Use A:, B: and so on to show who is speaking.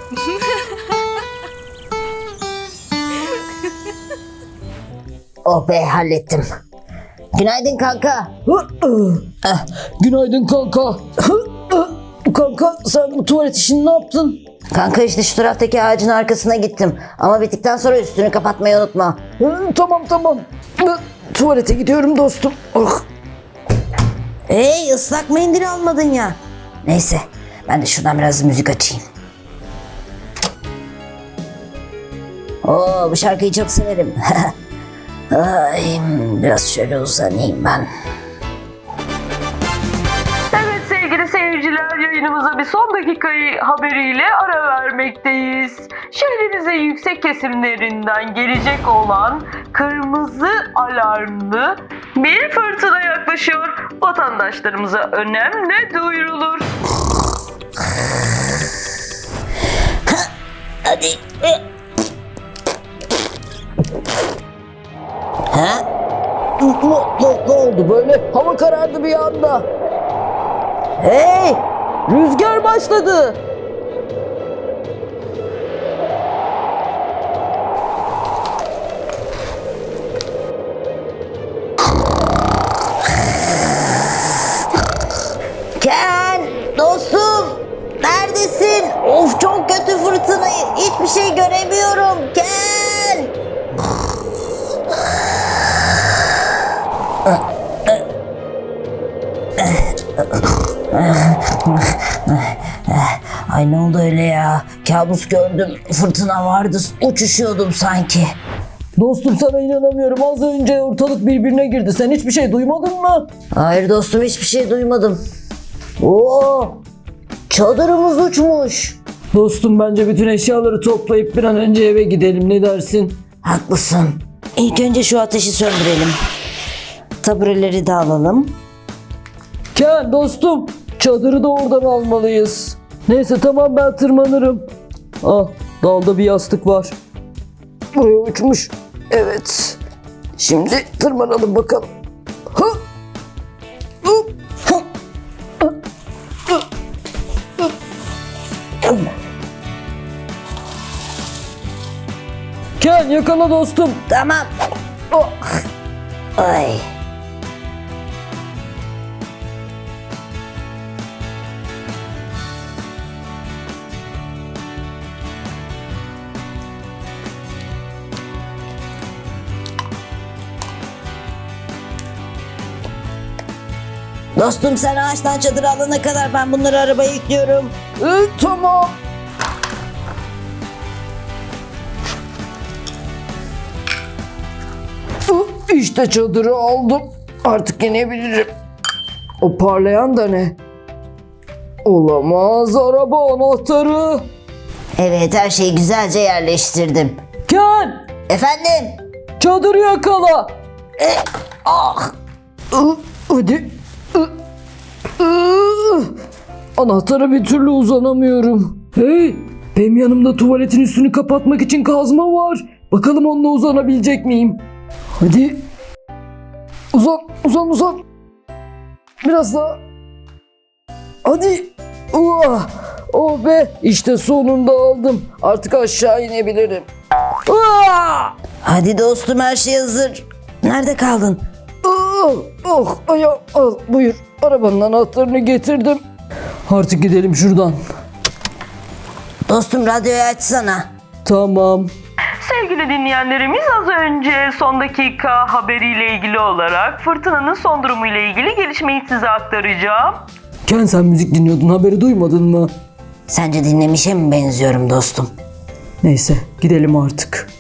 A: Oh be, hallettim. Günaydın kanka.
B: Günaydın kanka. Kanka sen bu tuvalet işini ne yaptın?
A: Kanka işte şu taraftaki ağacın arkasına gittim. Ama bittikten sonra üstünü kapatmayı unutma.
B: Tamam. Ben tuvalete gidiyorum dostum. Oh.
A: Hey, ıslak mendil almadın ya. Neyse, ben de şuradan biraz müzik açayım. Oo, bu şarkıyı çok severim. Ay, biraz şöyle uzanayım ben.
C: Evet sevgili seyirciler, yayınımıza bir son dakikayı haberiyle ara vermekteyiz. Şehrimizin yüksek kesimlerinden gelecek olan kırmızı alarmlı bir fırtına yaklaşıyor. Vatandaşlarımıza önemli duyurulur.
A: Hadi. Ha?
B: Ne oldu böyle? Hava karardı bir anda. Hey! Rüzgar başladı.
A: Ken, dostum, neredesin? Of, çok kötü fırtınayı. Hiçbir şey göremiyorum. Ken. Ay, ne oldu öyle ya? Kabus gördüm. Fırtına vardı. Uçuşuyordum sanki.
B: Dostum sana inanamıyorum. Az önce ortalık birbirine girdi. Sen hiçbir şey duymadın mı?
A: Hayır dostum, hiçbir şey duymadım. Oo, çadırımız uçmuş.
B: Dostum bence bütün eşyaları toplayıp bir an önce eve gidelim. Ne dersin?
A: Haklısın. İlk önce şu ateşi söndürelim. Tabureleri de alalım.
B: Ken dostum, çadırı da oradan almalıyız. Neyse tamam, ben tırmanırım. Ah, dalda bir yastık var. Buraya uçmuş. Evet. Şimdi tırmanalım bakalım. Hı! Hı! Hı! Hı! Hı! Hı! Ken yakala dostum.
A: Tamam.
B: Oh!
A: Ay. Dostum, sen ağaçtan çadır alana kadar ben bunları arabaya yüklüyorum.
B: Tamam. İşte çadırı aldım. Artık inebilirim. O parlayan da ne? Olamaz, araba anahtarı.
A: Evet, her şeyi güzelce yerleştirdim.
B: Ken,
A: Efendim?
B: çadırı yakala.
A: Ah!
B: Hadi. Anahtara bir türlü uzanamıyorum. Hey, benim yanımda tuvaletin üstünü kapatmak için kazma var. Bakalım onunla uzanabilecek miyim? Hadi. Uzan. Biraz daha. Hadi. Oh be, işte sonunda aldım. Artık aşağı inebilirim.
A: Hadi dostum, her şey hazır. Nerede kaldın?
B: Ayağım, al buyur. Arabanın anahtarını getirdim. Artık gidelim şuradan.
A: Dostum, radyoyu açsana.
B: Tamam.
C: Sevgili dinleyenlerimiz, az önce son dakika haberiyle ilgili olarak fırtınanın son durumu ile ilgili gelişmeyi size aktaracağım.
B: Ken, sen müzik dinliyordun, haberi duymadın mı?
A: Sence dinlemişe mi benziyorum dostum?
B: Neyse, gidelim artık.